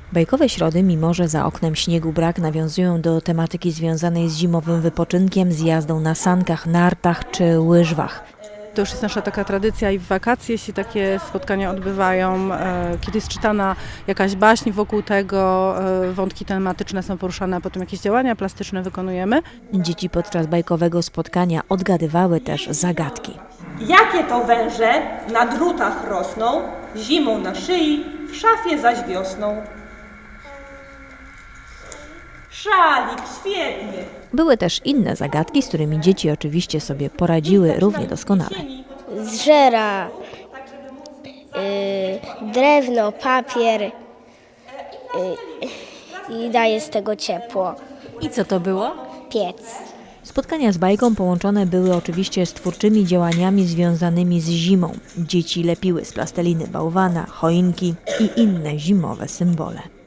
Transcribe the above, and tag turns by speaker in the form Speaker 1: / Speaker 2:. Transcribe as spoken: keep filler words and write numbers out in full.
Speaker 1: Bajkowe środy, mimo że za oknem śniegu brak, nawiązują do tematyki związanej z zimowym wypoczynkiem, z jazdą na sankach, nartach czy łyżwach.
Speaker 2: To już jest nasza taka tradycja i w wakacje się takie spotkania odbywają, kiedy jest czytana jakaś baśń wokół tego, wątki tematyczne są poruszane, a potem jakieś działania plastyczne wykonujemy.
Speaker 1: Dzieci podczas bajkowego spotkania odgadywały też zagadki.
Speaker 3: Jakie to węże na drutach rosną, zimą na szyi, w szafie zaś wiosną? Szalik, świetnie!
Speaker 1: Były też inne zagadki, z którymi dzieci oczywiście sobie poradziły równie doskonale.
Speaker 4: Zżera y, drewno, papier y, i daje z tego ciepło.
Speaker 1: I co to było?
Speaker 4: Piec.
Speaker 1: Spotkania z bajką połączone były oczywiście z twórczymi działaniami związanymi z zimą. Dzieci lepiły z plasteliny bałwana, choinki i inne zimowe symbole.